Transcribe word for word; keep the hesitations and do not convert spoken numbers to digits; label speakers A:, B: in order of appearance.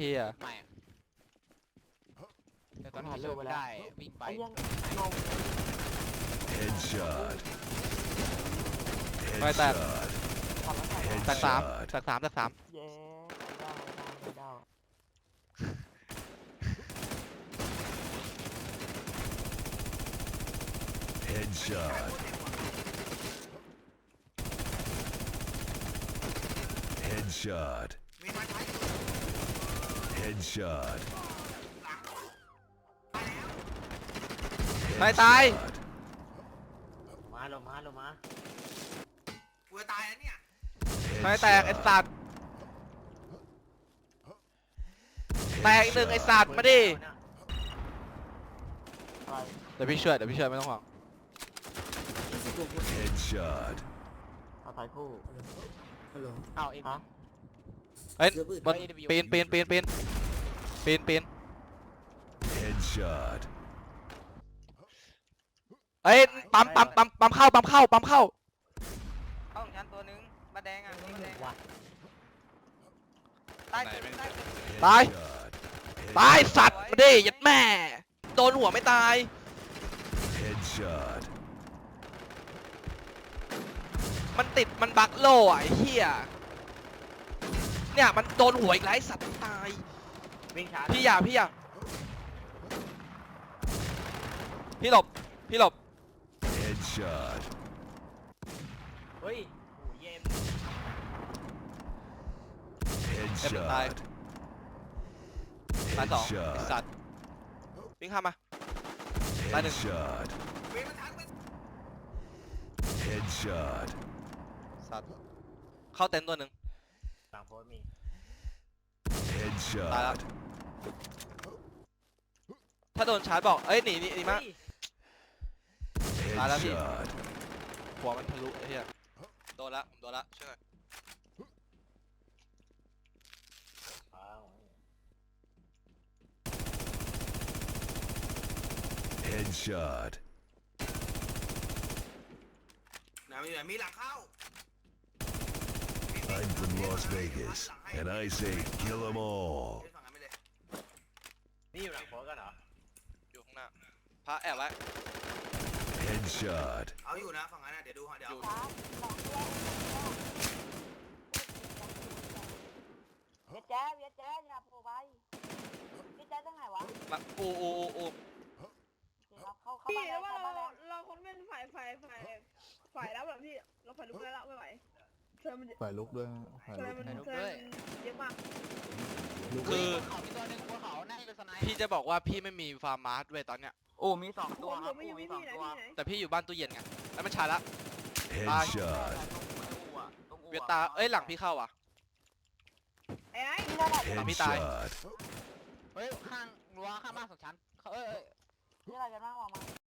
A: ฮีย
B: ไม่แต่ตอนนี้เลิกได้วิ่งไป
C: Headshot
A: ไปแตก
C: Headshot
A: แตกสามแตกสามแตกสาม
D: เย้ไม่ได้ไม่ได้
C: Headshot Headshot Headshot
A: ตายตาย
D: มาลงมาลงมา
E: กูจะตายแล้วเนี่ย
A: ตายแตกไอ้สัตว์แตกอีกหนึ่งไอ้สัตว์มาดิเดี๋ยวพี่ช่วยเดี๋ยวพี่ช่วยไม่ต้องห่วง
C: Headshot
D: เอาถ่ายคู่
B: เอาเอ็ม
D: ฮะ
A: เฮ้ยบนปีนปีนปีนปีนปีนปีน
C: Headshot
A: เอ้ยปั๊มปั๊มปั๊มปั๊มเข้าปั๊มเข้าปั๊มเข้า
B: เข้าของฉันตัวนึงมาแดงอ่ะมาแดง
D: ว่ะ
B: ตายตาย
A: ตาย
C: Headshot
A: ตายสัตว์มาดิยัดแม่โดนหัวไม่ตาย
C: Headshot
A: มันติดมันบักโล่อะไอ้เหี้ยเนี่ยมันโดนหัวอีกแล้วไอ้สัตว์ตาย
D: วิ่งช้า
A: พี่อย่าพี่อย่าพี่หลบพี่หลบ
C: Headshot
D: เฮ้ยโอ้เย็น
C: Headshot
A: ตายสองไอ้
C: Headshot
A: สัตว์วิ่งข้ามมาตายหนึ่ง
C: Headshot
E: เว้ยมันทักไป
C: Headshot
A: สัตว์เข้าเต็นท์ตัวหนึ่ง
D: หลังโพสมี
C: Headshot
A: ตายแล้วถ้าโดนชาร์จบอกเอ้ยหนีหนีหนีมา ตายแล้วพี่
C: Headshot
A: หัวมันทะลุไอ้เหี้ยโดนละผมโดนละช่วยหน่อย
C: Headshot
E: ไหนมีไหนมีหลังเข้า
C: I'm from Las Vegas and I say kill them all
E: เล่นฝั่งนั้นไปเลย
D: นี่อยู่หลังโพสกันเหรอ
A: อยู่ข้างหน้าพระแอบไว้
C: Headshot
E: เอาอยู่นะฝั่งนั้นนะเดี๋ยวดูเดี๋ยว
A: อยู่
F: แจ๊เวียแจ๊อย่าโผล่ไปพี่แจ๊ตรงไหนวะ
A: มาอูอูอูอู
F: เราเข้าเข้า
G: พี่
F: บ้านแล้ว
G: ว่า
F: เข้าบ้าน
G: เรา
F: แล้ว
G: เราคนเป็นฝ่ายฝ่ายฝ่ายฝ่ายแล้วแบบพี่เราฝ่ายลุกได้แล้วไม่ไหวเธอมัน
H: ฝ่ายลุกด้วยฝ่าย
G: เธ
H: ลุ
G: อก มันเธอเยอะมาก
A: คือ
B: เขามีตัวนึงบนเขาน่าจะเป็นสไน
A: พี่จะบอกว่าพี่ไม่มีฟาร์มมาร์ทเว้ยตอนเนี้ย
D: โอ้มีสอง
G: ตั
D: ตัว วค
G: ผ
D: รับ
G: มไม่อยู่
D: มี
G: พี่
D: สอง
G: พี่ไหน
D: ตัว
G: พี่ไหน
A: แต่พี่อยู่บ้านตู้เย็นไงแล้วมันชาร์จละ
C: Headshot
D: ตรงอู่อะตรงอู่อะ
A: เวียตาเอ้ยหลังพี่เข้าอ่ะ
G: ไอ้ไอ้
A: หลังพี่ตาย
C: Headshot
B: เฮ้ยข้างรั้วข้างบ้านสองชั้นเขาเอ้ย
F: นี่อะไรกันบ้างบอกมา